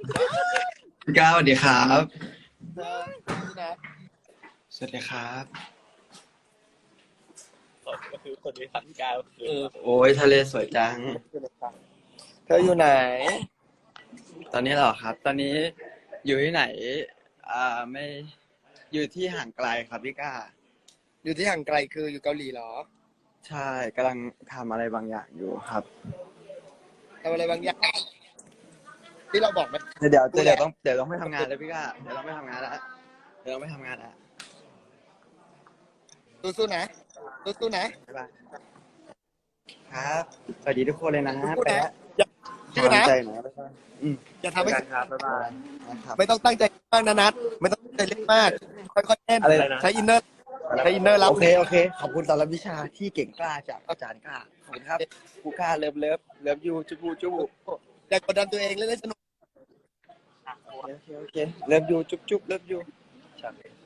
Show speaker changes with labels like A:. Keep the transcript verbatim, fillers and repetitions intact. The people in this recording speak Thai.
A: พี่ก้าวสวัสดีครับ
B: เออนี่นะ
A: สวัสดีครับ
C: ก็คือคนที่ทำกาวคือ
B: เออ
A: โอ้ยทะเลสวยจัง
B: เธออยู่ไหน
A: ตอนนี้เหรอครับ ตอนนี้อยู่ที่ไหน อ่าไม่อยู่ที่ห่างไกลครับพี่ก้า
B: อยู่ที่ห่างไกลคืออยู่เกาหลีเหรอ
A: ใช่กำลังทำอะไรบางอย่างอยู่ครับ
B: ทำอะไรบางอย่างที่เราบอกไหม
A: เดี๋ยวเดี๋ยวเดี๋ยวต้องเดี๋ยวต้องไม่ทำงานเลยพี่ก้าเดี๋ยวต้องไม่ทำงานแล้วเดี๋ยวต้องไม่ทำงานแล้ว
B: สู้ๆนะสู้ๆนะ
A: บ๊ายบายครับสวัสดีทุกคนเลยนะ
B: สู้
A: ไป
B: ๆนะ
A: แล้ว
B: อย่าชื่อนะ
A: กำลังใจหน่อยบ๊ายบายอืม
B: อย่าทำให้
A: เจอกันครับบ๊ายบายนะครับ
B: ไม่ต้องตั้งใจมากนะนัทไม่ต้องตั้งใจเล่นมากค่อยๆเล่น
A: อะไรนะ
B: ใช้อินเนอร์ใช้อินเนอร์รับ
A: โอเคโอเคขอบคุณสำหรับวิชาที่เก่งกล้าจากอาจารย์กล้าขอบคุณครับครูกล้าเลิฟเลิฟเลิฟยูจุบูจุบู
B: อย่ากดดันตัวเองเล่นให้สนุก
A: โอเคโอเคโอเคเลิฟยูจุ๊บจุ๊บเลิฟยู